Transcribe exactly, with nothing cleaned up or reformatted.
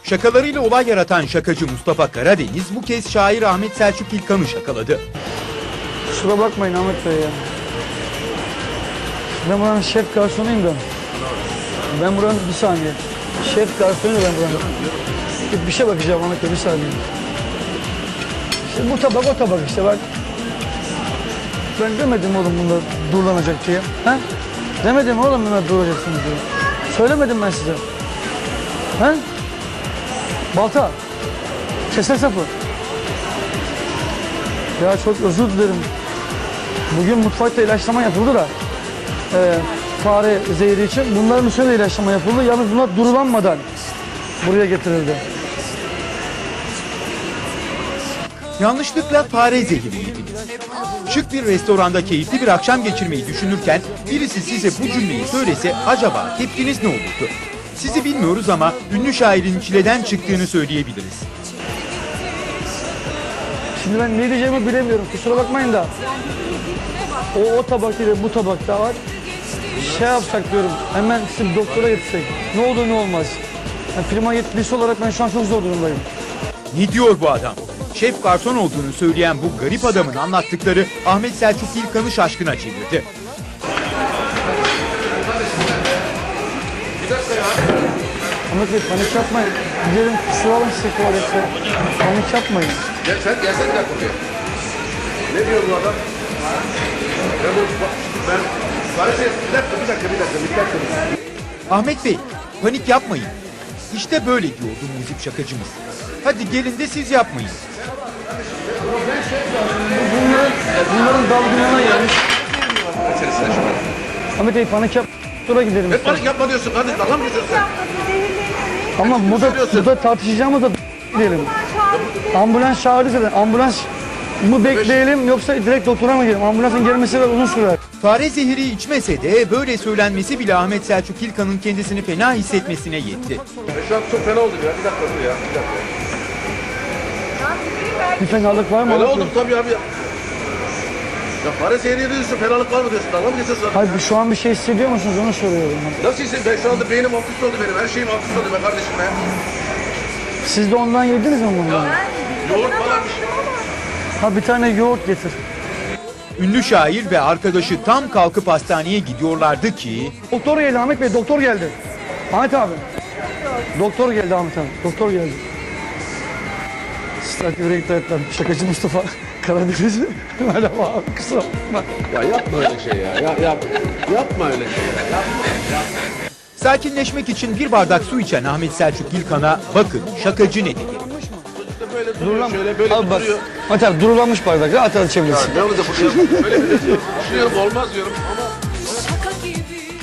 Şakalarıyla olay yaratan şakacı Mustafa Karadeniz bu kez şair Ahmet Selçuk İlkan'ı şakaladı. Kusura bakmayın Ahmet Bey ya. Ben buranın şef garsonuyum da. Ben buranın bir saniye. Şef garsonuyum ben buranın. Bir, bir şey bakacağım Ahmet Bey bir saniye. İşte bu tabak o tabak işte bak. Ben demedim oğlum bunda durulanacak diye. Ha? Demedim oğlum bunda durulacaksınız diye. Söylemedim ben size. Ha? Balta. Keser sapı. Ya çok özür dilerim. Bugün mutfakta ilaçlama yapıldı da e, fare zehri için. Bunların üstüne de ilaçlama yapıldı. Yalnız bunlar durulanmadan buraya getirildi. Yanlışlıkla fare zehri yediniz. Şık bir restoranda keyifli bir akşam geçirmeyi düşünürken birisi size bu cümleyi söylese acaba tepkiniz ne olurdu? Sizi bilmiyoruz ama ünlü şairin çileden çıktığını söyleyebiliriz. Şimdi ben ne diyeceğimi bilemiyorum. Kusura bakmayın da. O, o tabak ile bu tabakta var. Şey yapsak diyorum. Hemen sizi doktora getirsek. Ne olur ne olmaz. Yani firma yetkilisi olarak ben şu an çok zor durumdayım. Ne diyor bu adam? Şef garson olduğunu söyleyen bu garip adamın anlattıkları Ahmet Selçuk İlkan'ı şaşkına çevirdi. Ahmet Bey panik yapmayın. Gidelim su alın size tuvalette. Panik yapmayın. Gel sen gelsene bir dakika buraya. Ne diyor bu adam? Ben bu ben Barış bir dakika bir dakika bir dakika bir dakika. Ahmet Bey, panik yapmayın. İşte böyle diyordu muzip şakacımız. Hadi gelin de siz yapmayın. Bunların, bunların dalgınlığına gelmiş. Ahmet Bey panik yap. Doktora gidelim. Ne panik yapma diyorsun kardeşim, dalga mı geçiyorsun sen? Ama burada, burada tartışacağımız da gidelim. Ambulans çağırdı zaten. Ambulans mı bekleyelim yoksa direkt doktora mı gidelim? Ambulansın gelmesi uzun sürer. Fare zehri içmese de böyle söylenmesi bile Ahmet Selçuk İlkan'ın kendisini fena hissetmesine yetti. E şu an çok fena oldum ya. Bir dakika dur ya. Bir dakika. Bir fenalık var mı? Fena Ahmet Bey? oldum tabii abi ya. Ya fare seyri diyorsun, fenalık var mı diyorsun? Dalga mı geçiyorsun? Hayır şu an bir şey hissediyor musunuz onu soruyorum. Nasıl hissediyorsun? Ben şu anda beynim alt üst oldu benim. Her şeyim alt üst oldu be kardeşim be. Siz de ondan yediniz mi bundan? Yoğurt falan bir şey. Ha bir tane yoğurt getir. Ünlü şair ve arkadaşı tam kalkıp hastaneye gidiyorlardı ki... Doktor geldi Ahmet Bey, doktor geldi. Ahmet abi. Doktor geldi Ahmet abi, doktor geldi. Stadyum'a gittiler. Şakacı Mustafa Karadeniz. Merhaba abi, kusura bakma. Ya yapma öyle şey ya. Ya, yap, yapma öyle şey ya. Yapma, yapma. Sakinleşmek için bir bardak su içen Ahmet Selçuk İlkan'a bakın şakacı ne dedi. Böyle duruyor, şöyle böyle Abi bak, duruyor. Ahmet abi durulanmış bardak, rahat rahat içebilirsin. Ne olacak bu? Böyle bir düşünüyorum olmaz diyorum ama... Şaka gibi